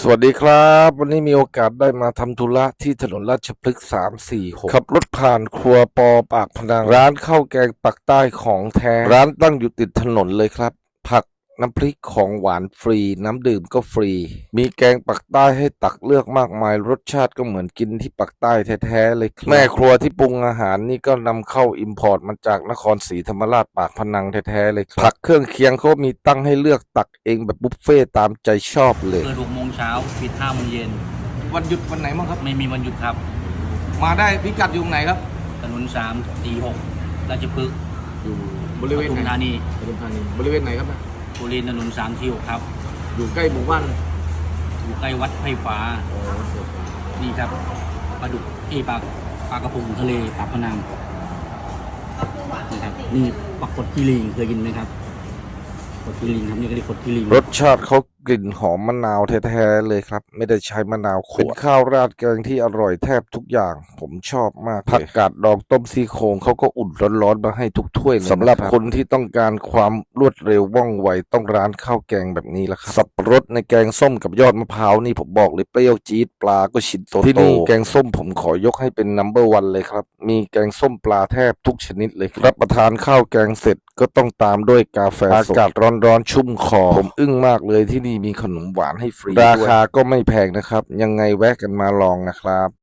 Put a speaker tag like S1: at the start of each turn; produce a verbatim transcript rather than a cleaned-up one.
S1: สวัสดีครับวันนี้มีโอกาสได้มาทำธุระที่ถนนราชพฤกษ์สามสี่หกขับรถผ่านครัวปอปากพนังร้านข้าวแกงปักใต้ของแท้ร้านตั้งอยู่ติดถนนเลยครับผักน้ำพริกของหวานฟรีน้ำดื่มก็ฟรีมีแกงปักใต้ให้ตักเลือกมากมายรสชาติก็เหมือนกินที่ปักใต้แท้ๆเลยครับแม่ครัวที่ปรุงอาหารนี่ก็นำเข้าอิมพอร์ตมาจากนครศรีธรรมราชปากพนังแท้ๆเลยครับผักเครื่องเคียงเขามีตั้งให้เลือกตักเองแบบบุฟเฟ่ตามใจชอบเลย
S2: เปิดหกโมงเช้าปิดห้าโมงเย็น
S3: วันหยุดวันไหนบ้างครับ
S2: ไม่มีวันหยุดครับ
S3: มาได้พิกัดอยู่ตรงไหนครับ
S2: ถนนสามสี่หกราชพฤกษ์
S3: อยู่บริเวณไหน
S2: ปทุมธานี
S3: ปทุมธานีบริเวณไหนครับนะ
S2: บริเวณถนนสามสี่หกครับ
S3: อยู่ใกล้หมู่บ้าน
S2: อยู่ใกล้วัดไผ่ฟ้า
S3: อ๋อ
S2: นี่ครับปลาดุกเอปลาปลากระพงทะเลปากพนังนี่ครับนี่ปักกดกีริงเคยกินไหมครับกดกีริงครับนี่ก็เรียกกดกีริง
S1: รสชาติเขากลิ่นหอมมะนาวแท้ๆเลยครับไม่ได้ใช้มะนาวขวดเป็นข้าวราดแกงที่อร่อยแทบทุกอย่างผมชอบมากผักกาดดองต้มซี่โครงเขาก็อุ่นร้อนๆมาให้ทุกถ้วยสำหรับคนที่ต้องการความรวดเร็วว่องไวต้องร้านข้าวแกงแบบนี้ละครับสับปะรดในแกงส้มกับยอดมะพร้าวนี่ผมบอกเลยเปรี้ยวจี๊ดปลาก็ชิ้นโตๆที่นี่แกงส้มผมขอยกให้เป็นนัมเบอร์วันเลยครับมีแกงส้มปลาแทบทุกชนิดเลยรับประทานข้าวแกงเสร็จก็ต้องตามด้วยกาแฟอากาศร้อนๆชุ่มคอผมอึ้งมากเลยที่นี่มีขนมหวานให้ฟรีราคาก็ไม่แพงนะครับยังไงแวะกันมาลองนะครับ